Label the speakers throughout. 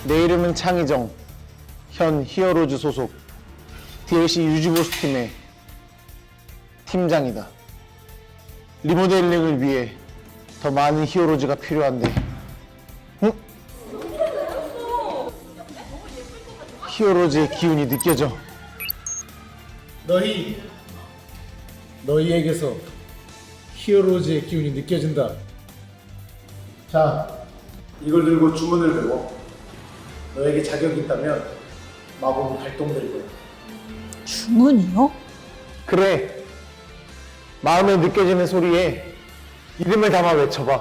Speaker 1: 내 이름은 창희정. 현 히어로즈 소속 DLC 유지보스 팀의 팀장이다. 리모델링을 위해 더 많은 히어로즈가 필요한데, 응? 히어로즈의 기운이 느껴져. 너희에게서 히어로즈의 기운이 느껴진다. 자, 이걸 들고 주문을 외워. 너에게 자격이 있다면 마법은 발동될 거야.
Speaker 2: 주문이요?
Speaker 1: 그래. 마음에 느껴지는 소리에 이름을 담아 외쳐봐.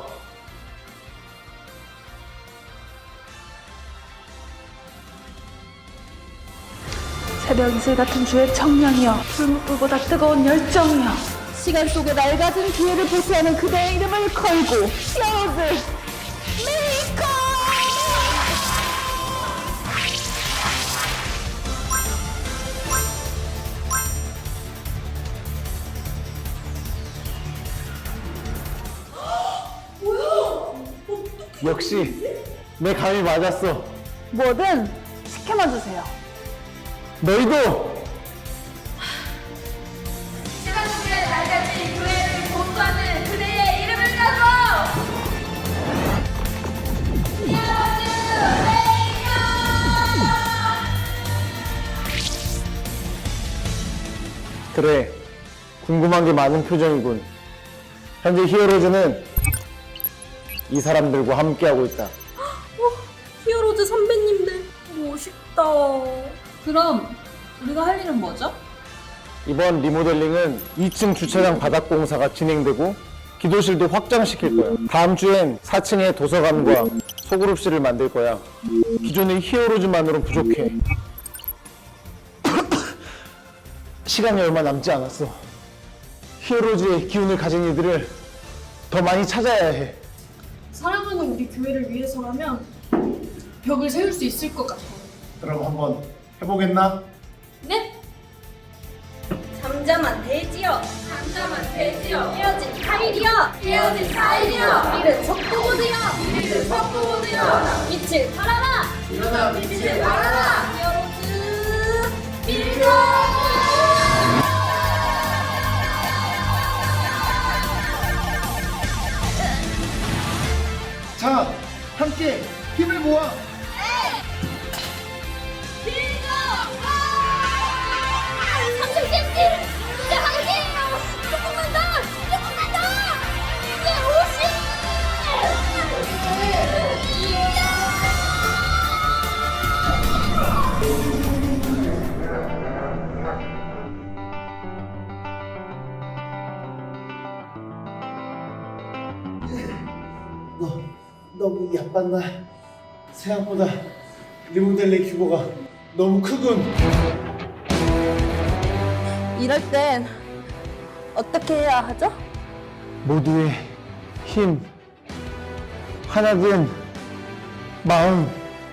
Speaker 2: 새벽 이슬 같은 주의 청량이여, 불꽃보다 뜨거운 열정이여, 시간 속에 낡아진 기회를 보수하는 그대의 이름을 걸고 히어로즈 메이커!
Speaker 1: 역시 내 감이 맞았어.
Speaker 2: 뭐든 시켜만 주세요.
Speaker 1: 너희도
Speaker 3: 시간 속에 낡아진 교회를 보수하는 그대의 이름을 따서 히어로즈 메이커!
Speaker 1: 그래. 궁금한 게 많은 표정이군. 현재 히어로즈는 이 사람들과 함께하고 있다.
Speaker 3: 히어로즈 선배님들 멋있다. 그럼 우리가 할 일은 뭐죠?
Speaker 1: 이번 리모델링은 2층 주차장 바닥 공사가 진행되고 기도실도 확장시킬 거야. 다음 주엔 4층에 도서관과 소그룹실을 만들 거야. 기존의 히어로즈만으로는 부족해. 시간이 얼마 남지 않았어. 히어로즈의 기운을 가진 이들을 더 많이 찾아야 해.
Speaker 4: 사랑하는 우리 교회를 위해서라면 벽을 세울 수 있을 것 같아요.
Speaker 1: 그럼 한번 해보겠나?
Speaker 3: 네? 잠잠한 돼지여, 잠잠한 돼지여, 헤어진 타일이여, 헤어진 타일이여, 이른 속도보드여, 이른 속도보드여, 빛을 발하라, 일어나 빛을 발하라, 히어로즈 밀고!
Speaker 1: 자, 함께 힘을 모아!
Speaker 3: 밀고! 30cm! 이제 한 개! 조금만 더! 조금만 더! 이제 50!
Speaker 1: 너무 야빴나? 생각보다 리모델링 규모가 너무 크군.
Speaker 2: 이럴 땐 어떻게 해야 하죠?
Speaker 1: 모두의 힘, 하나된 마음.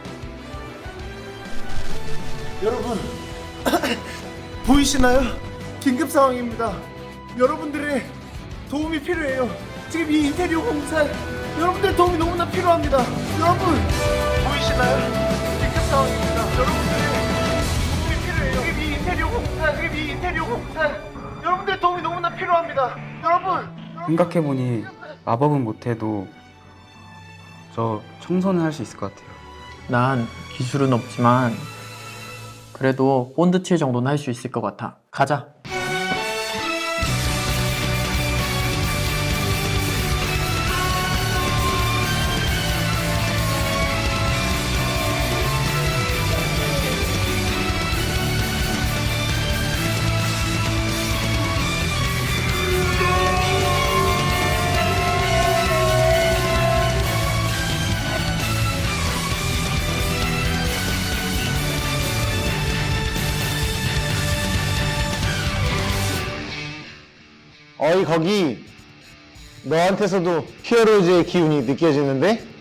Speaker 1: 여러분, 보이시나요? 긴급 상황입니다. 여러분들의 도움이 필요해요. 지금 이 인테리어 공사에 여러분들의 도움이 너무나 필요합니다. 여러분, 보이시나요? 긴급 상황입니다. 여러분들의 도움이 필요해요. 지금 이 인테리어 공사에 여러분들의 도움이 너무나 필요합니다. 여러분.
Speaker 5: 생각해보니 마법은 못해도 저 청소는 할 수 있을 것 같아요.
Speaker 6: 난 기술은 없지만 그래도 본드 칠 정도는 할 수 있을 것 같아. 가자. 어이 거기, 너한테서도 히어로즈의 기운이 느껴지는데?